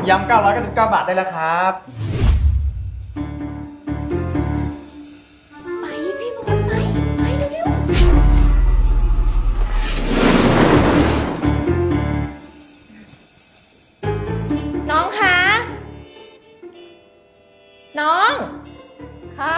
ยำ999 บาทได้แล้วครับไปพี่บอลไปเร็วๆน้องคะน้องคะ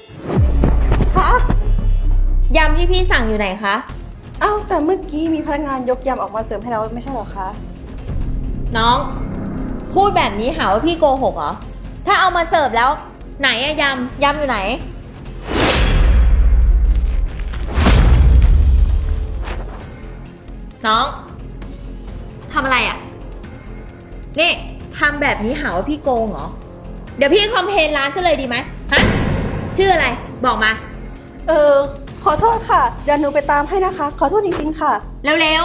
ยำที่พี่สั่งอยู่ไหนคะเอ้าแต่เมื่อกี้มีพนักงานยกยำออกมาเสิร์ฟให้เราไม่ใช่เหรอคะน้องพูดแบบนี้หาว่าพี่โกหกเหรอถ้าเอามาเสิร์ฟแล้วไหนอะยำอยู่ไหนน้องทำอะไรอะนี่ทำแบบนี้หาว่าพี่โกงเหรอเดี๋ยวพี่คอมเพลนร้านซะเลยดีไหมฮะชื่ออะไรบอกมาขอโทษค่ะเดี๋ยวหนูไปตามให้นะคะขอโทษจริงๆค่ะเร็ว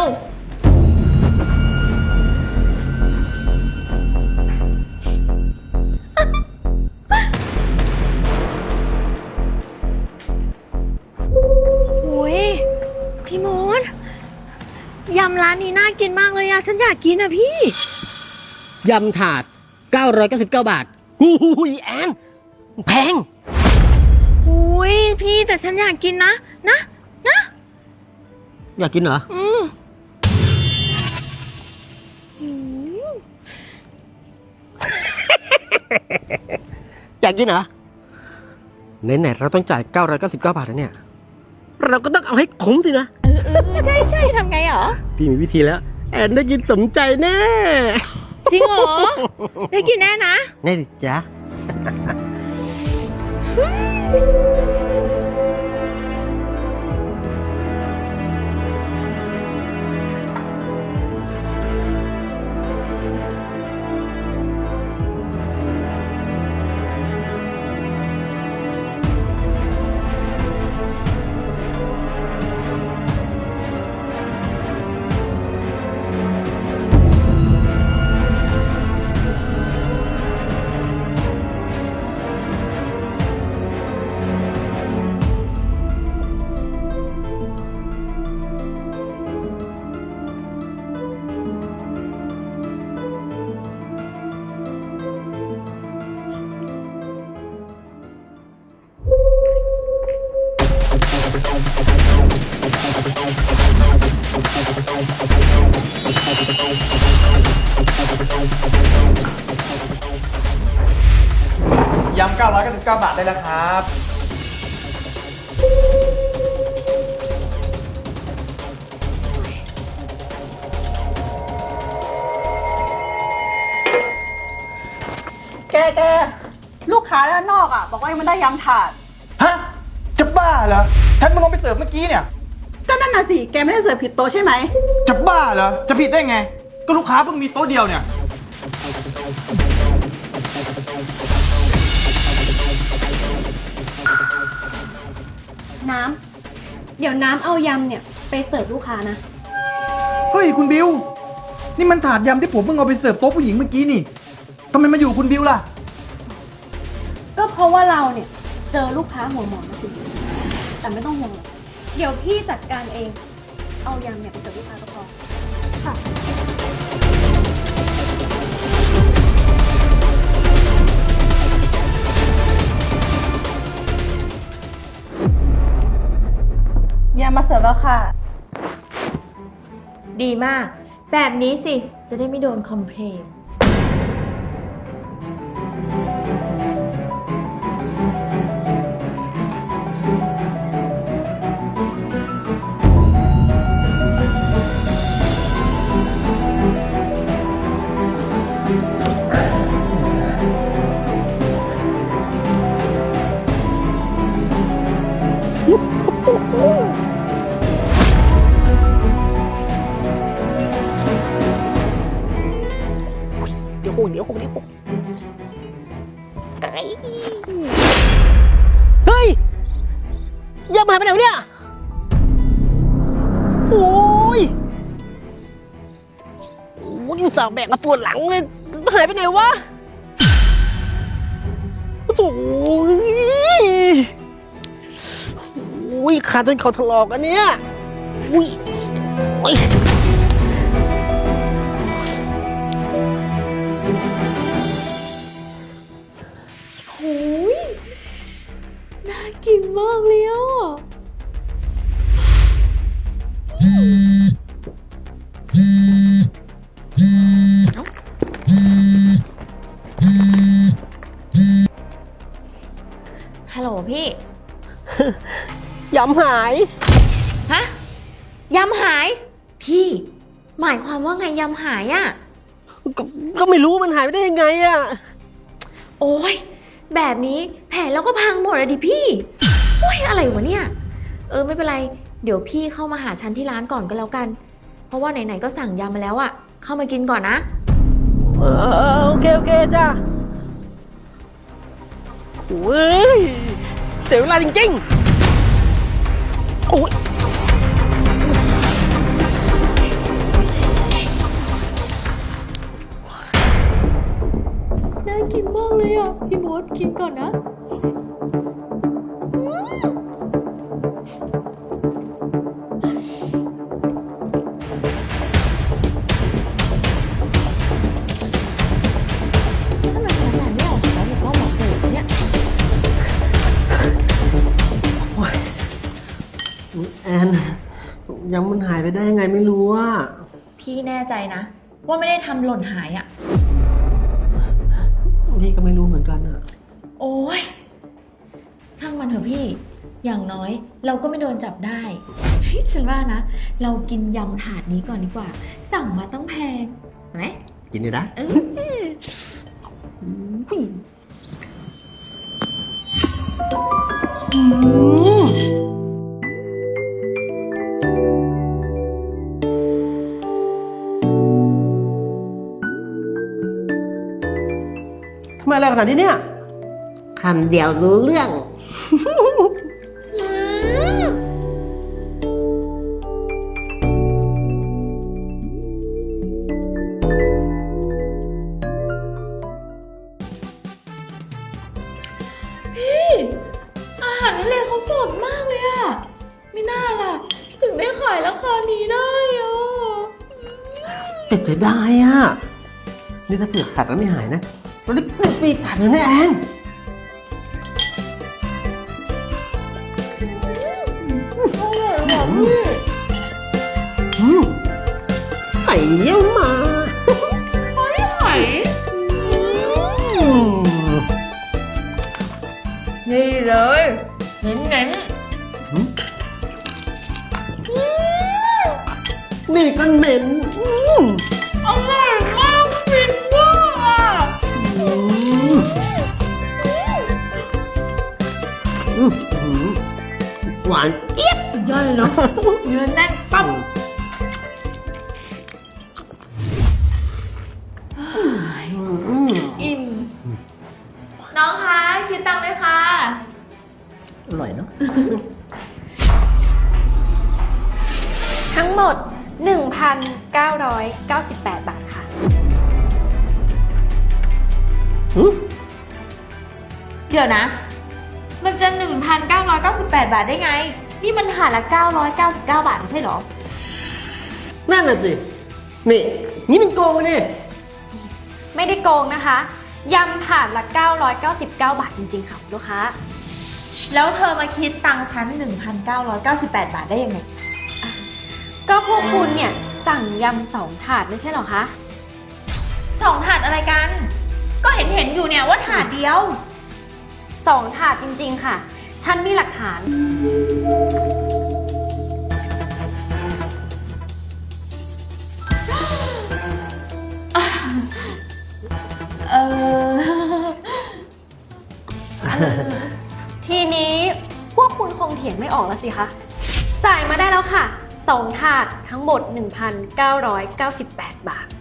โอ้ยพี่มดยำร้านนี้น่ากินมากเลยอะฉันอยากกินอะพี่ยำถาด999 บาทหูยแอนแพงโอ้ยพี่แต่ฉันอยากกินนะอยากกินเหรออยากกินเหรอไหนๆเราต้องจ่าย999 บาทแล้วเนี่ยเราก็ต้องเอาให้คุ้มสินะใช่ทำไงเหรอพี่มีวิธีแล้วแอนได้กินสมใจแน่จริงเหรอได้กินแน่นะแน่ดิจ๊ะยำ999 บาทได้แล้วครับแกลูกค้าด้านนอกบอกว่ายังไม่ได้ยำถาดฮะจะบ้าเหรอฉันมึงเอาไปเสิร์ฟเมื่อกี้เนี่ยก็นั่นน่ะสิแกไม่ได้เสิร์ฟผิดโต๊ะใช่ไหมจะบ้าเหรอจะผิดได้ไงก็ลูกค้าเพิ่งมีโต๊ะเดียวเนี่ยน้ำเดี๋ยวน้ำเอายำเนี่ยไปเสิร์ฟลูกค้านะเฮ้ยคุณบิวนี่มันถาดยำที่ผมเพิ่งเอาไปเสิร์ฟโต๊ะผู้หญิงเมื่อกี้นี่ทำไมมาอยู่คุณบิวล่ะก็เพราะว่าเราเนี่ยเจอลูกค้าหัวหมอนะสิแต่ไม่ต้องห่วงหรอกเดี๋ยวพี่จัดการเองเอายำเนี่ยไปเสิร์ฟลูกค้าก็พอค่ะยำมาเสิร์ฟแล้วค่ะดีมากแบบนี้สิจะได้ไม่โดนคอมเพลนเดี๋ยวหกเฮ้ยยำหายไปไหนวะเนี่ยโอ้ยอุตส่าห์แบกมาปวดหลังเลยหายไปไหนวะโอ้ยขาจนเขาถลอกอันเนี้ยอุ้ยโอ้ยของพี่ยำหายฮะ ยำหาย พี่ หมายความว่าไงยำหายอะก็ไม่รู้มันหายไปได้ยังไงอะโอ้ยแบบนี้แผนเราก็พังหมดเลยดิพี่โอ้ยอะไรวะเนี่ย ไม่เป็นไร เดี๋ยวพี่เข้ามาหาฉันที่ร้านก่อนก็แล้วกัน เพราะว่าไหนๆก็สั่งยำมาแล้วอะเข้ามากินก่อนนะโอเคจ้าโอ้ยเสียเวลาจริงๆโอ้ยน่ากินมากเลยอ่ะ พี่มดกินก่อนนะทำไมขนาดไม่ออกจากร้านก็บอกเลยเนี่ยแอนยำมันหายไปได้ยังไงไม่รู้อะพี่แน่ใจนะ ว่าไม่ได้ทำหล่นหายอ่ะพี่ก็ไม่รู้เหมือนกันอะโอ้ยช่างมันเถอะพี่ อย่างน้อยเราก็ไม่โดนจับได้เฮ้ยฉันว่านะ เรากินยำถาดนี้ก่อนดีกว่า สั่งมาต้องแพงไหมกินเลยนะผู้หญิงทำไมอะไรขนาดนี้เนี่ยคำเดียวรู้เรื่องพี่อาหารทะเลเขาสดมากเลยอะไม่น่าล่ะ ถึงได้ขายราคานี้ได้อะแต่เสียดายอะนี่ถ้าเปลือกกัดแล้วไม่หายนะเราได้ปีกกัดเลยนะแอนอร่อยหวานพี่ไข่เยี่ยวมาไม่ไหวนี่เลยเน้นนี่ก็เหม็นๆอร่อยมากฟินมากอะหวานเจี๊ยบสุดยอดเลยเนาะเนื้อแน่นปั๊บอิ่มน้องคะคิดตังค์ด้วยค่ะอร่อยเนาะทั้งหมด 1,998 บาทค่ะเดี๋ยวนะ มันจะ 1,998 บาทได้ไง นี่มันถาดละ 999 บาทไม่ใช่เหรอนั่นน่ะสิ นี่มันโกงนี่ไม่ได้โกงนะคะ ยำถาดละ 999 บาทจริงๆค่ะคุณลูกค้าแล้วเธอมาคิดตังค์ฉัน 1,998 บาทได้ยังไงก็พวกคุณเนี่ยสั่งยำ2 ถาดไม่ใช่เหรอคะ 2 ถาดอะไรกัน ก็เห็นอยู่เนี่ยว่าถาดเดียว 2 ถาดจริงๆค่ะ ฉันมีหลักฐานเออทีนี้พวกคุณคงเถียงไม่ออกแล้วสิคะ จ่ายมาได้แล้วค่ะ 2 ถาดทั้งหมด 1,998 บาท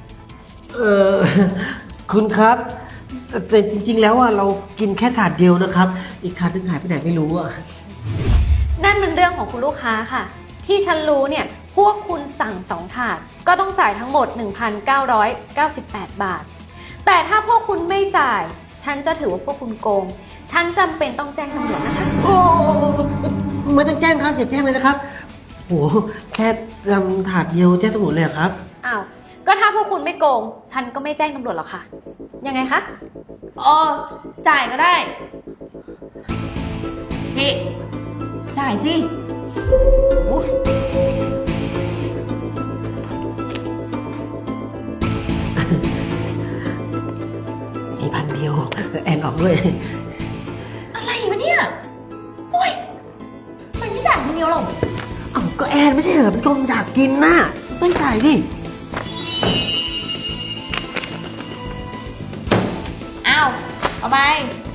คุณครับแต่จริงๆแล้วอ่ะเรากินแค่ถาดเดียวนะครับ อีกถาดนึงหายไปไหนไม่รู้อ่ะนั่นเป็นเรื่องของคุณลูกค้าค่ะ ที่ฉันรู้เนี่ยพวกคุณสั่ง2 ถาดก็ต้องจ่ายทั้งหมด 1,998 บาท แต่ถ้าพวกคุณไม่จ่าย ฉันจะถือว่าพวกคุณโกง ฉันจำเป็นต้องแจ้งตำรวจนะคะโอ้ไม่ต้องแจ้งครับอย่าแจ้งเลยนะครับโหแค่ถาดเดียวแจ้งตำรวจเลยเหรอครับอ้าว ก็ถ้าพวกคุณไม่โกง ฉันก็ไม่แจ้งตำรวจหรอกค่ะ ยังไงคะจ่ายก็ได้ นี่ จ่ายสิมี1,000 เดียวแอนออกด้วยอะไรวะเนี่ยนไม่ใช่เหรอเป็นคนอยากกินน่ะต้องจ่ายดิอ้าว เอาไป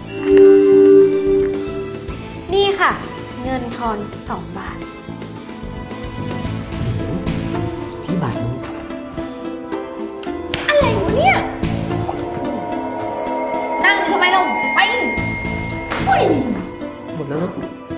นี่ค่ะ เงินทอน2 บาทพี่บาทนึงอะไรวะเนี่ย นั่งอยู่ทำไมเราไปอุ้ยหมดแล้วเนอะ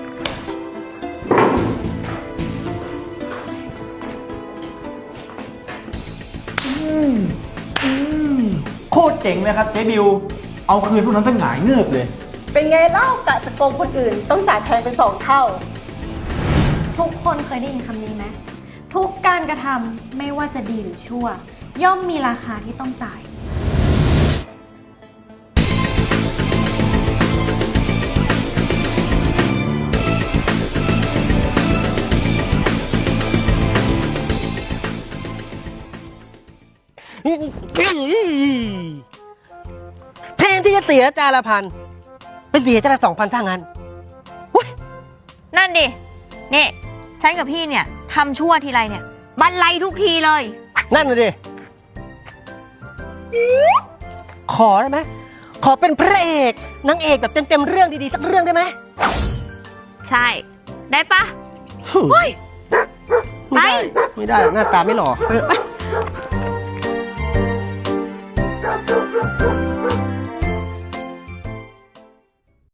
โคตรเจ๋งเลยครับเจ๊บิว เอาคืนพวกนั้นตั้งหงายเงือบเลยเป็นไงเล่ากะจะโกงคนอื่น ต้องจ่ายแพงเป็น2 เท่าทุกคนเคยได้ยินคำนี้ไหมทุกการกระทำไม่ว่าจะดีหรือชั่ว ย่อมมีราคาที่ต้องจ่ายแทนที่จะเสียจานละ1,000ไปเสียจานละ2,000ถ้างั้นนั่นดินี่ฉันกับพี่เนี่ยทำชั่วทีไรเนี่ยบันไลทุกทีเลยนั่นเลยดิ ขอได้ไหม ขอเป็นพระเอกนางเอกแบบเต็มๆเรื่องดีๆสักเรื่องได้ไหมใช่ ได้ปะ เฮ้ยไม่ได้ ไม่ได้ หน้าตาไม่หล่อไป